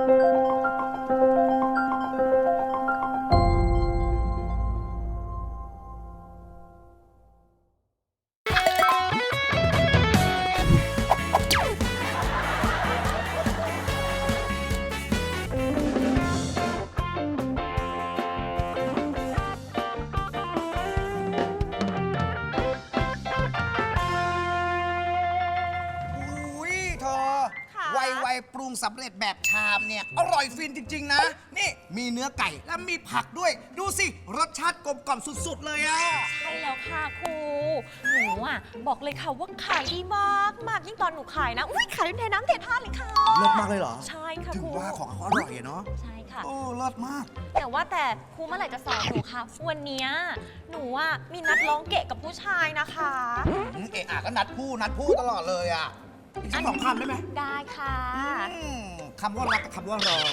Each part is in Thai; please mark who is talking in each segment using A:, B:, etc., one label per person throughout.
A: ไวปรุงสำเร็จแบบชามเนี่ยอร่อยฟินจริงๆนะนี่มีเนื้อไก่และมีผักด้วยดูสิรสชาติกลมกล่อมสุดๆเลยอะ
B: ใช่แล้วค่ะครูหนูอ่ะบอกเลยค่ะว่าขายดีมากมากยิ่งตอนหนูขายนะอุ้ยขายเป็นเทน้ำเทท่าเลยค่ะ
A: เลิศมากเลยเหรอ
B: ใช่ค่ะ
A: ถึง
B: ครู
A: ว่าของเขาอร่อยเนาะ
B: ใช่ค่ะ
A: โอ้เลิศมาก
B: แต่ว่าแต่ครูเมื่อไหร่จะสอนหนูคะวันนี้หนูอ่ะมีนัดร้องเกะกับผู้ชายนะคะ
A: เอะอะก็นัดพูดตลอดเลยอะอีกสัก2 คำได้ไหม
B: ได้ค่ะ
A: คำว่ารักกับคำว่ารอ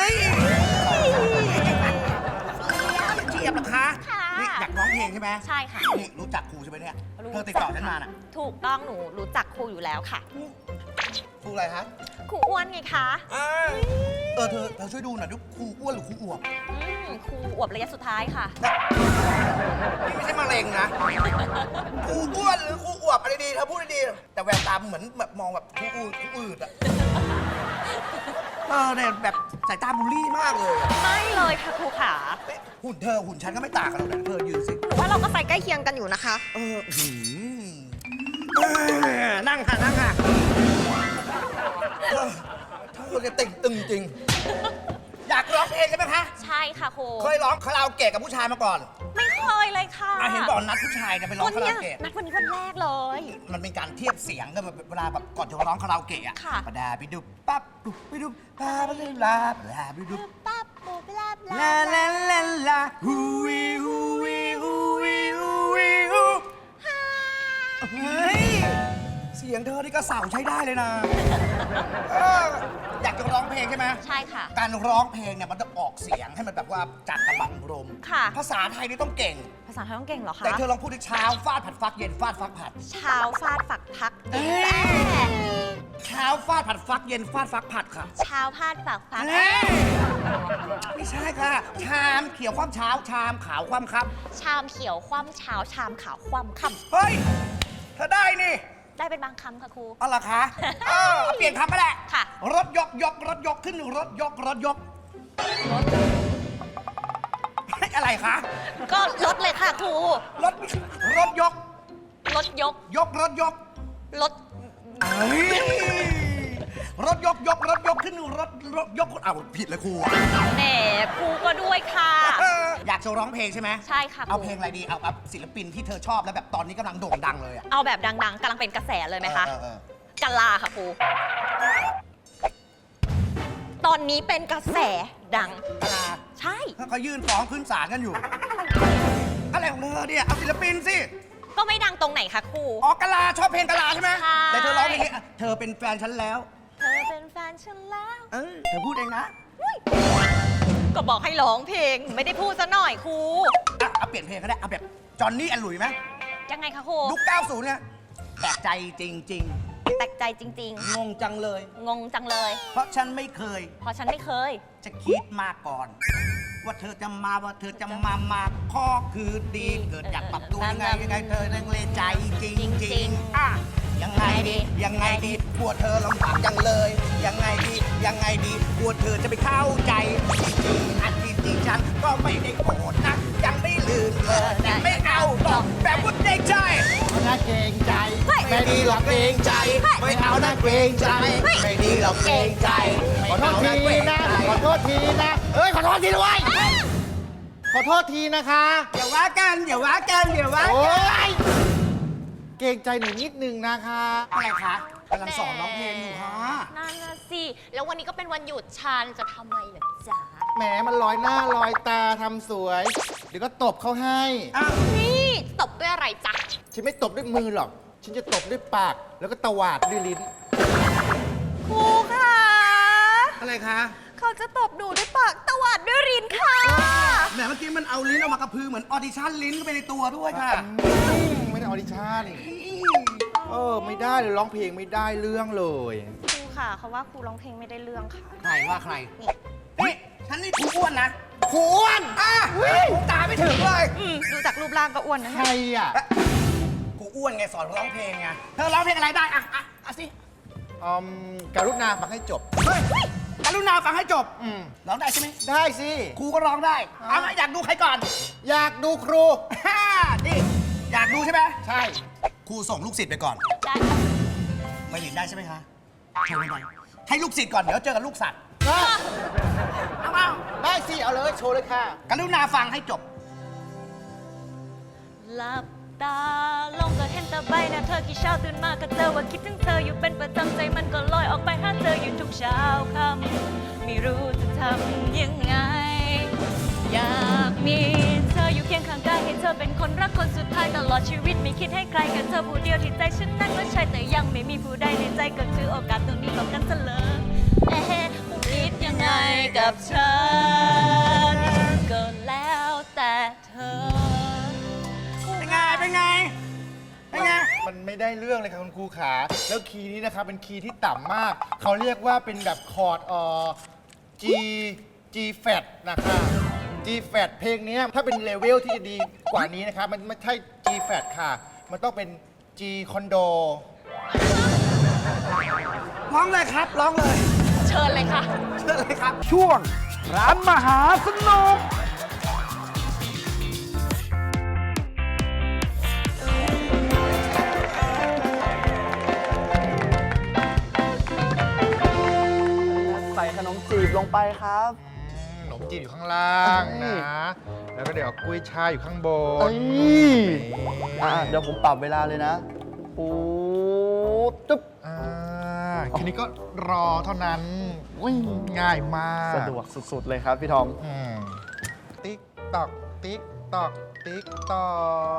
A: เจี๊ยบนะคะนี่อยากร้องเพลงใช่ไหม
B: ใช่ค่ะ
A: นี่รู้จักครูใช่ไหมเนี่ยเธอติดต่อฉันมาน่ะ
B: ถูกต้องหนูรู้จักครูอยู่แล้วค่ะ
A: ครูอะไรฮะ
B: ครูอ้วนไงคะ
A: เธอช่วยดูหน่อยดูครูอ้วนหรือครูอวบ
B: ครูอวบระยะสุดท้ายค่ะ
A: นี่ไม่ใช่มะเร็งนะครูอ้วนหรือครูอวบอะไรดีเธอพูดดีแต่แววตาเหมือนแบบมองแบบครูอืดอะเนี่ยแบบสายตาบูลลี่มากเลย
B: ไม่เลยค่ะครูขา
A: หุ่นเธอหุ่นฉันก็ไม่ต่างกันหรอกนะเธอยืนสิ
B: ว่าเราก็ใส่ใกล้เคียงกันอยู่นะคะ
A: นั่งค่ะเธอจะตึงจริงอยากร้องเพลงใช่ไหมคะ
B: ใช่ค่ะครู
A: เคยร้องคาราโอเกะกับผู้ชายมาก่อน
B: ไม่เคยเลยค่ะ
A: เห็นบอกนัดผู้ชายไปร้องคาราโอเกะ
B: นัดวันนี้วันแรกเลย
A: มันเป็นการเทียบเสียงกันเวลาแบบก่อนจะร้องคาราโอเกะอะปะดาไปดูปั๊บไปดูปาไปเลยลาไปดู
B: ปั๊บปุ๊บลา
A: ลาฮูวีฮูวีฮูวีฮูวีฮูเฮ้ยเสียงเธอนี่ก็เสาใช้ได้เลยนะอยากจะร้องเพลงใช่ไหม
B: ใช่ค่ะ
A: การร้องเพลงเนี่ยมันจะออกเสียงให้มันแบบว่าจัดระบังลม
B: ค่ะ
A: ภาษาไทยนี่ต้องเก่ง
B: ภาษาไทยต้องเก่งเหรอคะ
A: แต่เธอลองพูดที่เช้าฟาดผัดฟักเย็นฟาดฟักผัด
B: เช้าฟาดฝักพัก
A: เช้าฟาดผัดฟักเย็นฟาดฟักผัดค่ะ
B: เช้าพาดฝักพัก
A: ไม่ใช่ค่ะชามเขียวคว่ำเช้าชามขาวคว่ำค่
B: ำชามเขียวคว่ำเช้าชามขาวคว่ำค่
A: ำเฮ้ยเธอได้นี่
B: ได้เป็นบางคำค่ะครู
A: อ๋อเหรอคะเปลี่ยนคำก็ได้
B: ค่ะ
A: รถยกขึ้นรถยกอะไรคะ
B: ก็รถเลยค่ะครู
A: รถยก
B: รถยก
A: รถยกขึ้นรถยกอ้าวผิดเลยครู
B: แหมครูก็ด้วยค่ะ
A: อยากจะร้องเพลงใช่ไหม
B: ใช่ค่ะ
A: เอาเพลงอะไรดีเอาศิลปินที่เธอชอบแล้วแบบตอนนี้กำลังโด่งดังเลย
B: เอาแบบดังๆกำลังเป็นกระแสเลยไหมคะกะลาค่ะครูตอนนี้เป็นกระแสดัง
A: กะลา
B: ใช่
A: เขายื่นฟ้องขึ้นศาลกันอยู่อะไรของเธอเนี่ยเอาศิลปินสิ
B: ก็ไม่ดังตรงไหนคะครู
A: กะลาชอบเพลงกะลาใช่ไหมแต่เธอร้องเพลงนี้เธอเป็นแฟนฉันแล้ว
B: เธอเป็นแฟนฉันแล้ว
A: เธอพูดเองนะ
B: ก็บอกให้ร้องเพลงไม่ได้พูดซะหน่อยครู
A: เอาเปลี่ยนเพลงก็ได้เอาแบบจอห์นนี่แอนหลุยไหม
B: ยังไงคะครู
A: ยุค90เนี่ยแปลกใจจริง
B: แปลกใจจริง
A: ๆงงจังเลย
B: เพราะฉันไม่เคย
A: จะคิดมาก่อนว่าเธอจะมาข้อคือดีเกิดอยากปรับตัวยังไงเธอนังเลใจจริงยังไงดีกลัวเธอลำบากจังเลยยังไงดีกลัวเธอจะไม่เข้าใจอันที่ฉันก็ไม่ได้โกรธนะยังไม่ลืมเธอแต่ไม่เอาหรอกแบบพูดเกรงใจนะเกรงใจไม่ดีหรอกเกรงใจไม่เอานะเกรงใจไม่ดีหรอกเกรงใจ
C: ขอโทษทีนะขอโทษทีด้วยขอโทษทีนะคะ
A: อย่าว่ากันโอ๊
C: ยเกรงใจหนูนิดนึงนะคะ
A: อะไรคะกำลังสอนร้องเพลงอยู่ฮะ
B: นั่นน่ะสิแล้ววันนี้ก็เป็นวันหยุดฉันจะทำไมล่ะจ๊ะ
C: แหมมันลอยหน้าลอยตาทำสวยเดี๋ยวก็ตบเขาให้
B: นี่ตบด้วยอะไรจ๊ะ
C: ฉันไม่ตบด้วยมือหรอกฉันจะตบด้วยปากแล้วก็ตวาดด้วยลิ้น
B: ครูค่ะ
A: อะไรคะ
B: เขาจะตบหนูด้วยปากตวาดด้วยลิ้นค่ะ
A: แหมเมื่อกี้มันเอาลิ้นออกมากระพือเหมือนออดิชั่นลิ้นเข้าไปในตัวด้วยค่ะ
C: ไม่ได้ออดิชั่นไม่ได้เลยร้องเพลงไม่ได้เรื่องเลย
B: ครูคค่ะเขาว่าครูร้องเพลงไม่ได้เรื่องค่ะ
A: ใครว่าใคร นี่ฉันนี่ครูอ้วนนะ
C: ครูอ้วน
A: ครูตาไม่ถึงเลย
B: ดูจากรูปร่างก็อ้วนนะ
C: ใครอ่ะ
A: ครูอ้วนไงสอนร้องเพลงไง เธอร้องเพลงอะไรได้อ่ะสิ
C: การุณาฟังให้จบ
A: เฮ้ยกรุณาฟังให้จบ ร้องได้ใช่ไหม
C: ได้สิ
A: ครูก็ร้องได้ เอาอยากดูใครก่อน
C: อยากดูครู
A: นี่อยากดูใช่ไหม
C: ใช่
A: ครูส่งลูกศิษย์ไปก่อน
B: ได้
A: ไม่หลินได้ใช่ไหมคะโชว์ไปให้ลูกศิษย์ก่อน เดี๋ยวเจอกับลูกสัตว์ เอา
C: ได้สิ เอาเลย โชว์เลยค่ะ
A: กรุณาฟังให้จบ
B: หลับตาลงก็เห็นแต่ใบหน้าเธอกี่เช้าตื่นมาก็เจอว่าคิดถึงเธออยู่เป็นประจำใจมันก็ลอยออกไปหาเธออยู่ทุกเช้าค่ำไม่รู้จะทำยังไง อยากมีเธออยู่เคียงข้างกายให้เธอเป็นคนรักคนสุดท้ายตลอดชีวิตไม่คิดให้ใครกับเธอผู้เดียวที่ใจฉันนั้นว่าใช่แต่ยังไม่มีผู้ใดในใจก็ถือโอกาสตรงนี้หลบกันซะเลยผู้คิดยังไงกับฉันก็แล้วแต่เธอ
A: เป็นไง เป็นไง เป็นไง
C: มันไม่ได้เรื่องเลยค่ะคุณครูขา แล้วคีย์นี้นะครับเป็นคีย์ที่ต่ำมาก เขาเรียกว่าเป็นแบบคอร์ดG flat นะคะ G flat เพลงนี้ถ้าเป็นเลเวลที่จะดีกว่านี้นะครับมันไม่ใช่ G flat ค่ะ มันต้องเป็น G condo
A: ร้องเลยครับ ร้องเลย
B: เชิญเลยค่ะ
A: เชิญเลยครับ
D: ช่วงร้านมหาสนุก
E: ใส่ขนมจีบลงไปครับ
C: ขนมจีนอยู่ข้างล่างนะ แล้วก็เดี๋ยวเอากุ้ยช่ายอยู่ข้างบ
E: เอ้
C: น
E: ยเดี๋ยวผมปรับเวลาเลยนะปูตึ๊บ
C: ทีนี้ก็รอเท่านั้น
E: วิ่ง
C: ง่ายมาก
E: สะดวกสุดๆเลยครับพี่ทอม
C: ติ๊กตอก ติ๊กตอก ติ๊กตอก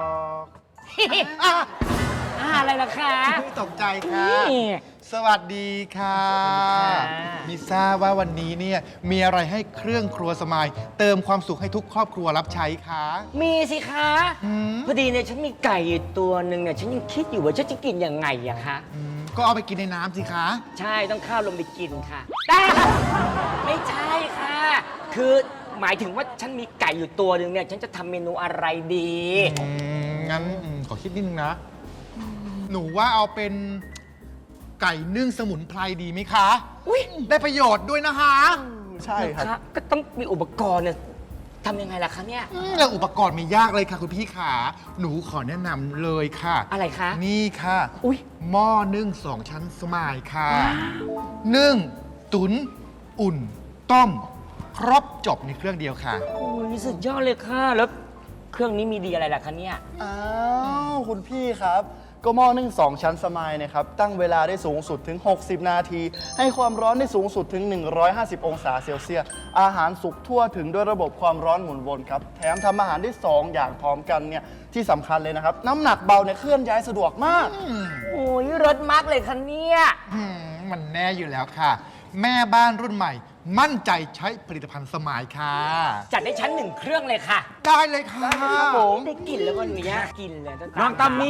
D: อะไรล่ะคะ
C: ไม่ตกใจค่ะ สวัสดีค่ะมิทราบว่าวันนี้เนี่ยมีอะไรให้เครื่องครัวสมายเติมความสุขให้ทุกครอบครัวรับใช้คะ
D: มีสิคะ
C: อืม
D: พอดีเนี่ยฉันมีไก่อยู่ตัวหนึ่งเนี่ยฉันยังคิดอยู่ว่าฉันจะกินยังไงอะคะ
C: ก็เอาไปกินในน้ำสิคะ
D: ใช่ต้องข้าวลงไปกินค่ะ ไม่ใช่ค่ะ คือหมายถึงว่าฉันมีไก่อยู่ตัวหนึ่งเนี่ยฉันจะทำเมนูอะไรดี
C: งั้นขอคิดนิดนึงนะ หนูว่าเอาเป็นไก่นึ่งสมุนไพรดีไหมคะ
D: อุ๊ย
C: ได้ประโยชน์ด้วยนะคะ
E: ใช่ครับ
D: ก็ต้องมีอุปกรณ์เนี่ยทำยังไงล่ะคะเนี่ย
C: แล้วอุปกรณ์ไม่ยากเลยค่ะคุณพี่ขา หนูขอแนะนำเลยค่ะ
D: อะไรคะ
C: นี่ค่ะ
D: อุ๊ย
C: หม้อนึ่ง2 ชั้นสมายค่ะ นึ่ง ตุ๋นอุ่น ต้ม ครบจบในเครื่องเดียวค่ะ
D: โอ้ยสุดยอดเลยค่ะ แล้วเครื่องนี้มีดีอะไรล่ะคะเนี่ย
E: อ้าวคุณพี่ครับ ก็หม้อนึ่ง2 ชั้นสมายนะครับ ตั้งเวลาได้สูงสุดถึง 60 นาที ให้ความร้อนได้สูงสุดถึง 150 องศาเซลเซียส อาหารสุกทั่วถึงด้วยระบบความร้อนหมุนวนครับ แถมทำอาหารได้ 2 อย่างพร้อมกันเนี่ย ที่สำคัญเลยนะครับ น้ำหนักเบาเนี่ยเคลื่อนย้ายสะดวกมาก
D: โอ้ยรสมากเลยคะเนี่ย
C: มันแน่อยู่แล้วค่ะ แม่บ้านรุ่นใหม่ มั่นใจใช้ผลิตภัณฑ์สมายค่ะ
D: จัดให้ฉัน1 เครื่องเลยค่ะ
C: ได้เลยค่ะ
E: ครับผม
D: ได้กลิ่นแล้วก็เนี้ยกินเลยตั้งแต่
F: น้องตามี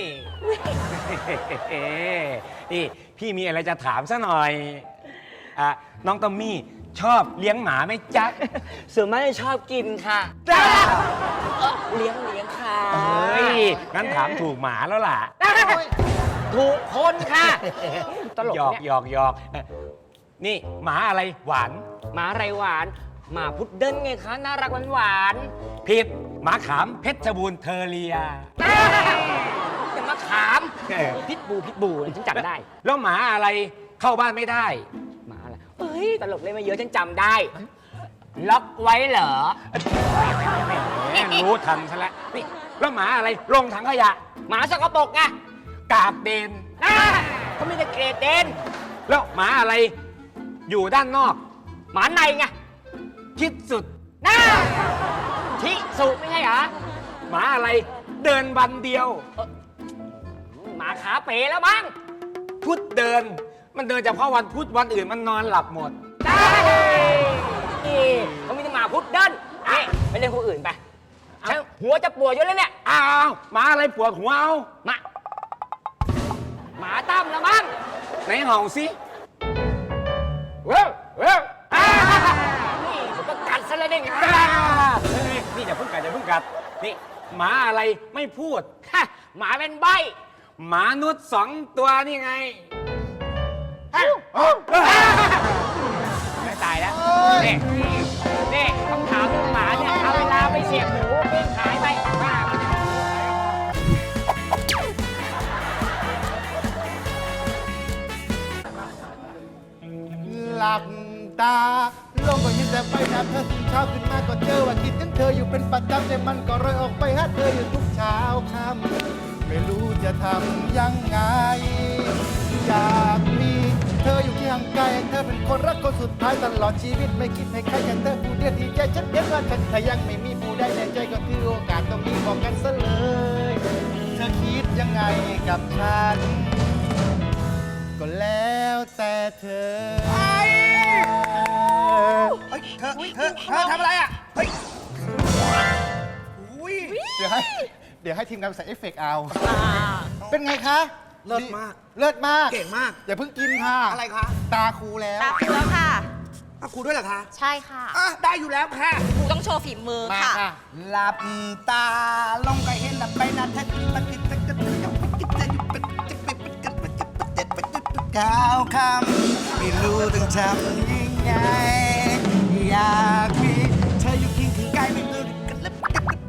F: นี่พี่มีอะไรจะถามซะหน่อยน้องตามี่ชอบเลี้ยงหมาไหมจ๊ะ
D: ส่วนมากจะชอบกินค่ะเลี้ยงค่ะ
F: เฮ้ย งั้นถามถูกหมาแล้วล่ะ
D: ถูกคนค่ะ ตลก
F: หยอก
D: เนี่ย
F: หยอกหยอกนี่หมาอะไรหวาน
D: หมาไรหวานหมาพุดเดิ้ลไงคะ น่ารักหวาน
F: ผิดหมาขามเพชรบูรณ์เทอเรีย
D: ๆแต่มาขาม
F: เออ
D: พิษบูฉันจำได้
F: แล้วหมาอะไรเข้าบ้านไม่ได้
D: หมาอะไรเอ้ย ตลกเล่นมาเยอะฉันจำได้ ล็อกไว้เหรอ
F: แหมรู้ทันซะแล้วนี่แล้วหมาอะไรลงถังขยะ
D: หมาสกปรกไง
F: กาบเดน
D: เขาไม่ได้เกรดเดน
F: แล้วหมาอะไรอยู่ด้านนอก
D: หมาในไง
F: คิดสุด
D: น่าทิสุไม่ใช่เหรอ
F: หมาอะไรเดินวันเดียว
D: หมาขาเป๋แล้วมั้ง
F: พุธเดิน มันเดินเฉพาะวันพุธวันอื่นมันนอนหลับหมด
D: ได้นี่เขามีแต่หมาพุดเดิ้ลนี่ไปเล่นคนอื่นไปฉันหัวจะปวดอยู่แล้วเนี่ย
F: อ้าวหมาอะไรปวดหัวเอา
D: หมาตั้มแล้วมั้ง
F: ไหนเห่าสิกัด นี่หมาอะไรไม่พูด
D: ฮะหมาเป็นใบ
F: หมานุษย์2 ตัวนี่ไง
D: ไม่ตายแล้วนี่นี่ต้องถามลูกหมาเนี่ยเอาเวลาไปเสียบหมูปิ้งขายไปบ้า
C: หลับตาลงก็เห็นแต่ใบหน้าเธอตื่นเช้าขึ้นมาก็เจอว่าคิดถึงเธออยู่เป็นประจำแต่มันก็รอยออกไปหาเธออยู่ทุกเช้าค่ำไม่รู้จะทำยังไง อยากมีเธออยู่ที่ห่างไกลเธอเป็นคนรักคนสุดท้ายตลอดชีวิตไม่คิดให้ใครแค่เธอผู้เดียวที่ใจฉันเห็นว่าฉันถ้ายังไม่มีผู้ใดในใจก็คือโอกาสตรงนี้บอกกันซะเลย เธอคิดยังไงกับฉัน ก็แล้วแต่เธอ
A: เฮ้ยเธอทำอะไรอ่ะ เฮ้ยอุ้ย
C: เดี๋ยวให้ทีมงานใส่เอฟเฟกต์เอา เป็นไงคะ
A: เลิศมาก
C: เลิศมาก
A: เก่งมาก
C: อย่าเพิ่งกินค่ะ
A: อะไรคะ
C: ตาครูแล้ว
B: ตาครูแล้วค่ะ
A: อ่ะครูด้วยเหรอคะ
B: ใช่ค่ะ
A: อ่ะได้อยู่แล้วค่ะ
B: ครูต้องโชว์ฝีมือ
C: มา
B: ค่ะ
C: ค่ะ
A: หลับตาลงก็เห็นแล้วไปนะเธอปฏิตะกะก้าวคำไม่รู้ต้องทำยังไง อยากมีเธออยู่เคียงข้างกายไม่รู้กันแล้ว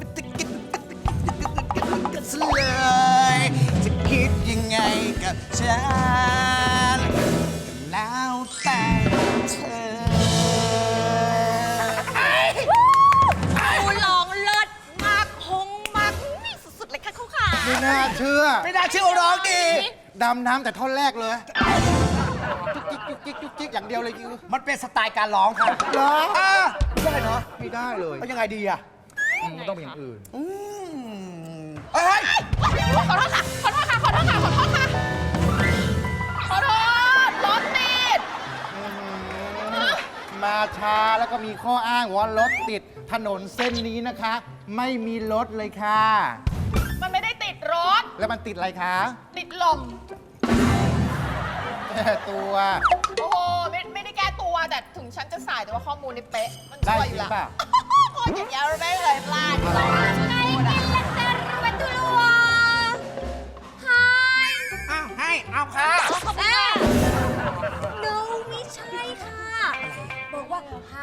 A: กันซะเลยจะคิดยังไงกับฉันแล้วแต่เธอ
B: ครูร้องเลิศมากฮงมากนี่สุดๆเลยค่ะครูขา
C: ไม่น่าเชื่อ
A: ไม่น่าเชื่อว่าร้องดี
C: ดำน้ำแต่ท่อนแรกเลยจุกจิกจุกจิกอย่างเดียวเลยคิว
A: มันเป็นสไตล์การร้องค่ะ
C: เหรอ
A: ได้เนาะ
C: ไม่ได้เลย
A: แล้วยังไงดีอ่ะ
C: มันต้องเป็นอย่างอื่น
A: เฮ้ย
B: ขอโทษค่ะ ขอโทษค่ะ ขอโทษค่ะ ขอโทษค่ะ ขอโทษรถติด
C: มาช้าแล้วก็มีข้ออ้างว่ารถติดถนนเส้นนี้นะคะ ไม่มีรถเลยค่ะ
G: มันไม่ได้ติดรถ
C: แล้วมันติดอะไรคะ
G: ติดลม
C: แค่ตัว
G: โอ้โห ไม่ได้แก้ตัว แต่ถึงฉันจะสายแต่ว่าข้อมูลนี่เป๊ะ มัน
C: ได้
G: ช่วยอ
C: จริ
G: ยู่
C: ง
G: แล้ว
C: เปล่า
G: คนอย่างเงี้ยไม่เคยพลาดเลย
A: อ้าวให้เอาค่ะ
B: no ไม่ใช่ค่ะ บอกว่า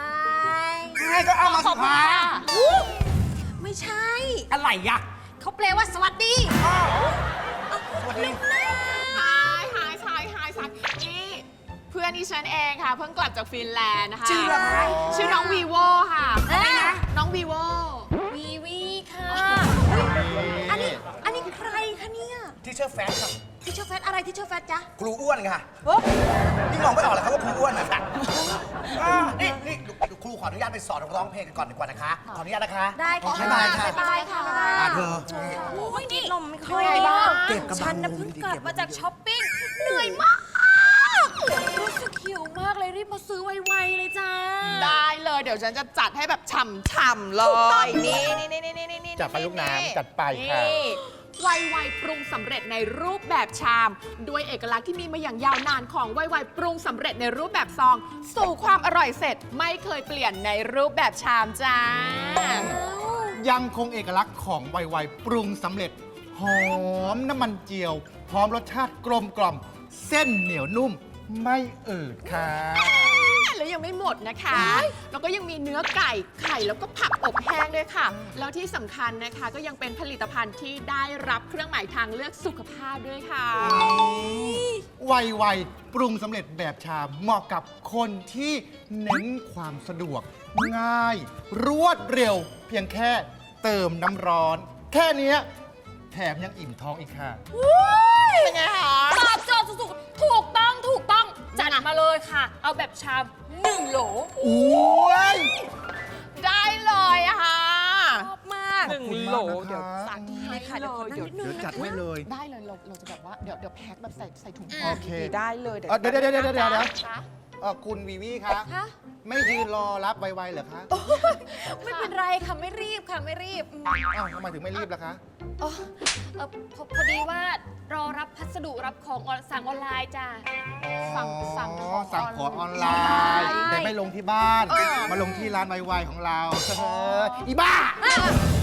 B: hi
A: ให้ก็เอามาสุดท้าย
B: ไม่ใช่
A: อะไรยะ
B: เขาแปลว่าสวัสดี
A: สวัสดี
G: หายนี่ เพื่อนที่ฉันเองค่ะ เพิ่งกลับจากฟินแลนด์นะคะ
A: ชื่ออะไร
G: ชื่อน้องวีโวค่ะ
B: อะไรนะ
G: น้องวีโว
B: วีวีค่ะ อันนี้ใครคะเนี่ย
A: ที่เชื่อแฟนครับ
B: ที่เชอร์แฟตอะไรที่เชอร์แฟตจ๊ะ
A: ครูอ้วนค่ะนี่มองไม่ออกเหรอครับว่าครูอ้วนนะคะนี่ครูขออนุญาตไปสอนร้องเพลงกันก่อนดีกว่านะคะ ขออนุญาตนะคะ
B: ได้ค่ะ
A: บ๊ายบายค่ะ
B: บ๊ายบายค่ะ
A: เธอ
B: โอ้ยนี่ลมไม่ค่อย
G: เป็นไงบ้าง
A: เก็บกำลัง
B: ฉันน่ะเพิ่งกลับมาจากช้อปปิ้ง เหนื่อยมาก รู้สึกหิวมากเลยรีบมาซื้อไวๆเลยจ้า
G: ได้เลย เดี๋ยวฉันจะจัดให้แบบฉ่ำๆเลย นี่
C: จัดไปลูกน้ำจัดไปค่ะ
G: นี่ไวๆปรุงสำเร็จในรูปแบบชาม ด้วยเอกลักษณ์ที่มีมาอย่างยาวนานของไวๆปรุงสำเร็จในรูปแบบซอง สู่ความอร่อยเสร็จไม่เคยเปลี่ยนในรูปแบบชามจ้า
C: ยังคงเอกลักษณ์ของไวๆปรุงสำเร็จ หอมน้ำมันเจียว พร้อมรสชาติกลมกล่อม เส้นเหนียวนุ่ม ไม่อืดค่ะ
G: แล้วยังไม่หมดนะคะ แล้วก็ยังมีเนื้อไก่ไข่แล้วก็ผักอบแห้งด้วยค่ะ แล้วที่สำคัญนะคะก็ยังเป็นผลิตภัณฑ์ที่ได้รับเครื่องหมายทางเลือกสุขภาพด้วยค่ะ
C: ไวๆปรุงสำเร็จแบบชามเหมาะกับคนที่เน้นความสะดวก ง่าย รวดเร็ว เพียงแค่เติมน้ำร้อน แค่เนี้ยแถมยังอิ่มท้องอีกค่ะ
G: เป็นไงคะ
B: ตอบโจทย์สุดๆถูกต้อง จัดมาเลยค่ะ เอาแบบชาม1 โหล
C: โอ้ย
G: ได้เลยอะค่ะ
B: ชอบมาก
C: 1 โหลเดี๋ยว
G: สั่งให้ค่ะเดี๋ยว
B: เดี๋ยว
C: เดี๋ยวจัดให้เลย
G: ได้เลยเราจะแบบว่าเดี๋ยวแพ็คแบบใส่ถุง
C: โอเค
G: ได้เลยเดี๋ยว
C: เดี๋ยว
G: คะ
C: คุณวีวีคะ
B: ฮะ
C: ไม่ยืนรอรับไวๆเหรอคะ
B: ไม่เป็นไรค่ะ ไม่รีบค่ะ ไม่รีบ
C: อ้าวทำไมถึงไม่รีบล่ะคะ
B: อ๋อพอดีว่ารอรับพัสดุรับของสั่งออนไลน์จ้ะ
G: สั่ง
C: สั่ง
G: ของ
C: ของออนไล
B: ใช่
C: น์ แต่ไม่ลงที่บ้าน มาลงที่ร้านไวๆของเราอีบ้า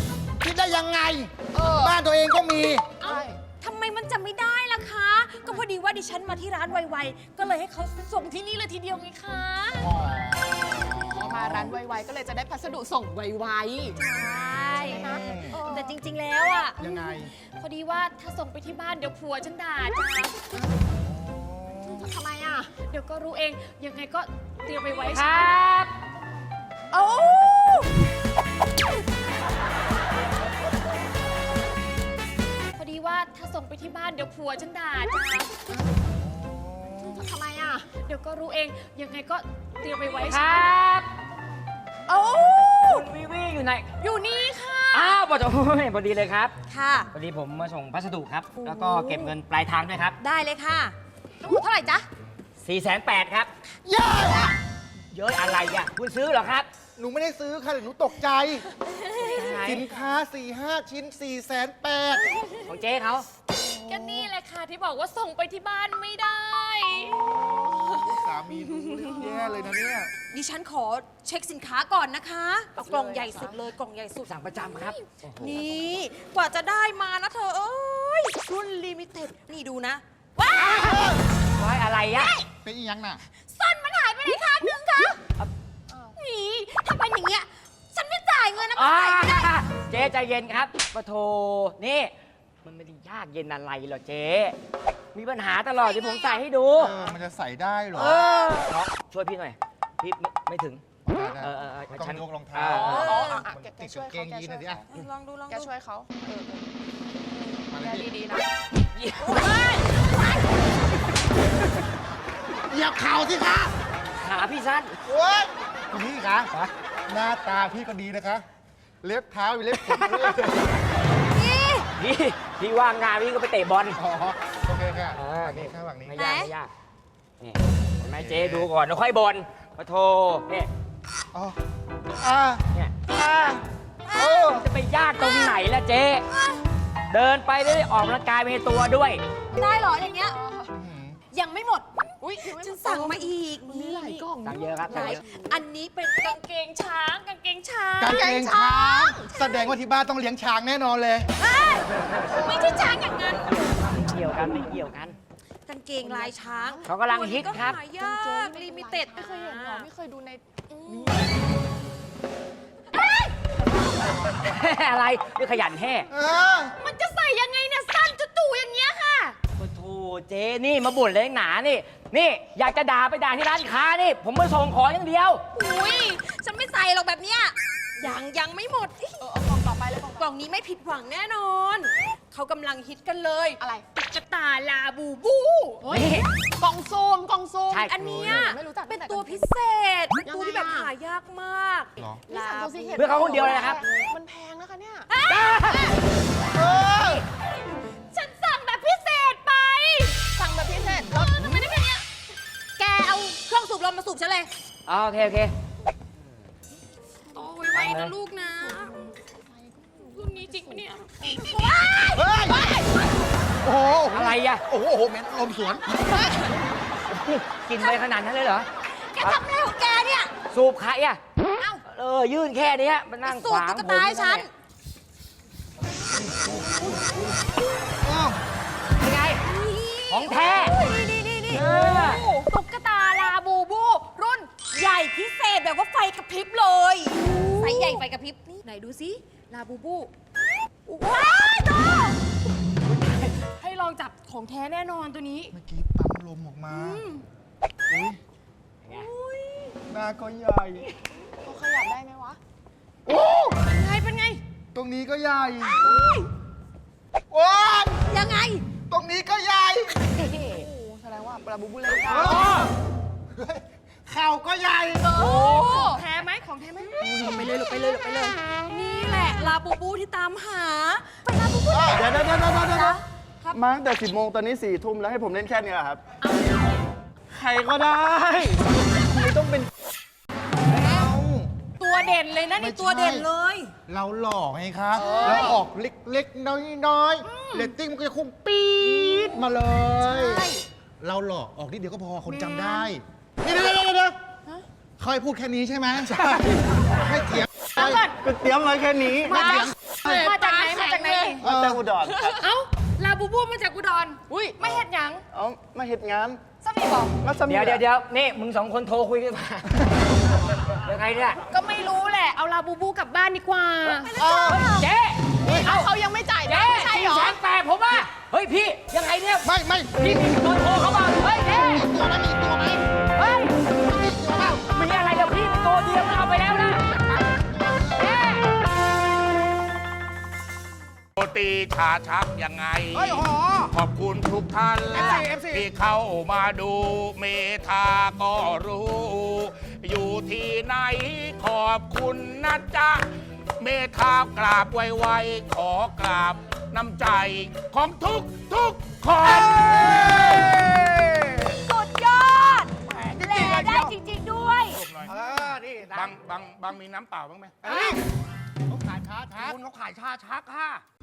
C: คิดได้ยังไง บ้านตัวเองก็มี
G: ใช่
B: ทำไมมันจำไม่ได้ล่ะคะ ก็พอดีว่าดิฉันมาที่ร้านไวๆ ก็เลยให้เขาส่งที่นี่เลยทีเดียวไงคะ
G: มาร้านไวๆก็เลยจะได้พัสดุส่งไว
B: ใช่แต่จริงๆแล้วอ่ะ
C: ยังไง
B: พอดีว่าถ้าส่งไปที่บ้านเดี๋ยวผัวฉันด่าจ้า
G: ๆทำไมอ่ะ
B: เดี๋ยวก็รู้เอง ยังไงก็เตรียมไปไว้
D: ค
B: ใช่
D: รับ
B: โอ้ พอดีว่าถ้าส่งไปที่บ้านเดี๋ยวผัวฉันด่าจ้า
G: ทำไมอ่ะ
B: เดี๋ยวก็รู้เอง ยังไงก็เตรียมไปไว้
D: ค
B: ใช่
D: รับ
B: โอ้
D: คุณวิวีอยู่ไหน
B: อยู่นี่ค่ะ
D: อ้าวพอดีเลยครับ
B: ค่ะ
D: พอดีผมมาส่งพัสดุครับ
B: โอ้
D: แล้วก็เก็บเงินปลายทางด้วยครับ
B: ได้เลยค่ะทั้งหมดเท่าไหร่จ๊ะ
D: 480,000ครับ
C: เย้
D: เยอะอะไรอ่ะ คุณซื้อเหรอครับ
C: หนูไม่ได้ซื้อค่ะหนูตกใจ สินค้า 4-5 ชิ้น 480,000
D: ของเจ๊เขา
B: ก็นี่แหละค่ะที่บอกว่าส่งไปที่บ้านไม่ได้
C: สามีรู้เรื่องแย่เลยนะเนี่ย
B: ดิฉันขอเช็คสินค้าก่อนนะคะเอากล่องใหญ่สุดเลยกล่องใหญ่สุด
D: สั่งประจำครับโอ้โห
B: นี่กว่าจะได้มานะเธอเอ้ยรุ่นลิมิเต็ดนี่ดูนะว้า
D: ไว้อะไรอ่ะ
C: เป็นอีหยังน่ะ
B: ส้นมันหายไปไหนคะนึงคะนี่ถ้าเป็นอย่างเงี้ยฉันไม่จ่ายเงินนะ
D: อ่า
B: ไม่จ่ายไม่ได้
D: เจ๊ใจเย็นครับปะโทนี่ มันไม่ได้ยากเย็นอะไรหรอกเจ๊ มีปัญหาตลอดที่ผมใส่ให้ดู
C: มันจะใส่ได้เหรอ
D: เออน้องช่วยพี่หน่อย พี่ไม่ถึง
C: ได้
D: ฉัน
C: ต้องยกรองเท้า
G: แก
C: ติด
G: ช่
C: กา
G: วย
C: งเก
G: เขา
C: ง
G: แก
C: ยีน
G: ช่
C: ห
G: ว
C: น่อย ยสิ
G: เขา
C: อ่ะ
B: ลองดูลอง
G: แก
B: ดู
G: ช่วยเขา
C: มาเล
G: แก
C: ยพี่
G: ดีๆนะ
C: เหยียบเข่าสิคะ
D: ขาพี่สั้น
C: โอ๊ยคุณพี่คะหน้าตาพี่ก็ดีนะคะ เล็บเท้ามีเล็บขนด้วย
D: พี่ว่างงานพี่ก็ไปเตะบอล
C: อ๋อโอเคค่ะ
D: เออ
C: ฝั่งนี้ค่ะฝั่งนี้
D: ไม่ยากไม่ยากนี่เห็นไหมเจ๊ดูก่อนแล้วค่อยบอลปะโทเนี่ย
C: อ๋ออ่า
D: เนี่ย
C: โอ้
D: จะไปยากตรงไหนล่ะเจ๊ เดินไปได้ออกกำลังกายไปในตัวด้วย
B: ได้เหรออย่างเงี้ยยังไม่หมด
G: อุ้ย
B: ฉันสั่งมาอีก
G: มีหลายกล่อง
D: สั่งเยอะครับสั่งเยอะ
B: อันนี้เป็นกางเกงช้างกางเกงช้าง
C: กางเกงช้าง แสดงว่าที่บ้านต้องเลี้ยงช้างแน่นอนเลย
B: ไม่ใช่ช้างอย่างนั้น
D: ไม่เกี่ยวกันไม่เกี่ยวกัน
B: กางเกงลายช้าง
D: เขากำลังฮิตครับ
B: ตัวนี้ก็หายากลิมิเต็ด
G: ไม่เคยเห็นหรอ ไม่เคยดูใน
D: อะไรไม่ขยันแห่
C: เออ
B: มันจะใส่ยังไงเนี่ยสั้นจู่ๆอย่างเงี้ยค่ะ
D: โอ้โถเจ๊นี่มาบ่นเลยหนานี่ นี่อยากจะด่าไปด่าที่ร้านค้านี่ ผมมาส่งของอย่างเดียว
B: อุ้ยฉันไม่ใส่หรอกแบบเนี้ยยังไม่หมด
G: เอากล่องต่อไปเลยกล่อง
B: กล่องนี้ไม่ผิดหวังแน่นอน เขากำลังฮิตกันเลย
G: อะไร
B: ตุ๊กตาลาบูบู
D: นี่
G: กล่องซูมกล่องซูม
D: ใช่
B: อันเนี้ย
G: ไม่รู้จัก
B: เป็นตัวพิเศษเป็นตัวที่แบบหายากมาก
C: เหรอ
G: นี่สั่งตัวซีเห็ด
D: เพื่อเขาคนเดียวเลยนะครับ
G: มันแพงนะคะเนี่ย
B: ฉันสั่งแบบพิเศษไป
G: สั่งแบบพิเศษ
B: ทำไมได้แค่เนี้ยแกเอาเครื่องสูบลมมาสูบฉันเลย
D: อ๋อโอเคโอเค
B: โอ้ยไว้นะลูกนะรุ่นนี้จริงปะเนี่ย
C: เฮ้ย โอ้โห
D: อะไรอ่ะ
C: โอ้โหเหม็นลมสวน
D: กินไปขนาดนั้นเลยเหรอ
B: แกทำอะไรของแกเนี่ย
D: สูบใครอ่ะ
B: เอ้า
D: ยื่นแค่เนี้ยมานั่ง
B: สู
D: ข
B: บ
D: วาง
B: ตุ๊กตาให้ฉัน
D: ยังไง ของแท้
B: นี่
D: เออ
B: ตุ๊กตาลาบูบู รุ่นใหญ่พิเศษแบบว่าไฟกระพริบเลยไฟใหญ่ไฟกระพริบนี่ไหนดูสิลาบูบูว้ายโตให้ลองจับของแท้แน่นอนตัวนี้
C: เมื่อกี้ปั๊มลมออกมาอุ้ยหน้าก็ใหญ่
G: เขาขยับได้ไหมวะ
C: โอ้
B: เป็นไง
C: ตรงนี้ก็ใหญ่โอ้ย
B: ยังไง
C: ตรงนี้ก็ใหญ่
G: โอ้โหแสดงว่าปลาบูบูเล่นได้
C: เฮ้ยเข่าก็ใหญ่
B: โอ้แท้ไหมของแท้ไหมไปเลยลูกไปเลยไปเลย นี่แหละลาบูบูที่ตามหา ไปลาบูบู
E: เดี๋ยวมาตั้งแต่10 โมงตอนนี้4 ทุ่มแล้วให้ผมเล่นแค่นี้เหรอครับ ใครก็ได้ไม่ต้องเป็น
B: ตัวเด่นเลยนะนี่ตัวเด่นเลย
C: เราหล่อไงครับเราออกเล็กๆ น้อยๆเรตติ้งมันก็จะคงปี๊ดมาเลย
B: ใช่
C: เราหล่อออกนิดเดียวก็พอคนจำได้นี่เดี๋ยวเขาให้พูดแค่นี้ใช่ไหมใช่ให้เถียง
E: ก็เตรียมไว้แค่นี้
C: ไม่เถียง
B: มาจากไหนมาจากไหน
E: มาแต่อุดรครับ
B: เอ้าลาบูบูมาจากอุดรอุ้ยไม่เห็นหยัง
E: เอามาเฮ็ดงาน
B: สมีบอก
E: มาสมี
D: เดี๋ยวนี่มึงสองคนโทรคุยกันมายังไงเนี่ย
B: ก็ไม่รู้แหละเอาลาบูบูกลับบ้านดีกว่า
D: เจ๊
G: เขายังไม่จ่าย
D: เจ๊
G: นะใช่เหรอ
D: 480,000ผมว่าเฮ้ยพี่ยังไงเนี่ย
C: ไม่
D: พี่มีเบอร์โทรเขามาเฮ้ยเจ๊
C: ตัวนั้นมีตัวไหม
D: เฮ้ยมีอะไรกับพี่ตัวเดียวมันเอาไปแล้วนะเจ๊
H: โรตีชาชักยังไง
A: เฮ้ยหอ
H: ขอบคุณทุกท่าน
A: FC
H: ที่เข้ามาดูเมธาก็รู้ อยู่ที่ไหนขอบคุณนะจ๊ะ เมธากราบไวๆขอกราบน้ำใจของทุกคน
B: สุดยอดแหล่ได้จริงๆด้วย
A: นี่
H: บางมีน้ำเปล่าบ้างไหม
A: เขาขายชาชักคุณเขาขายชาชักค่ะ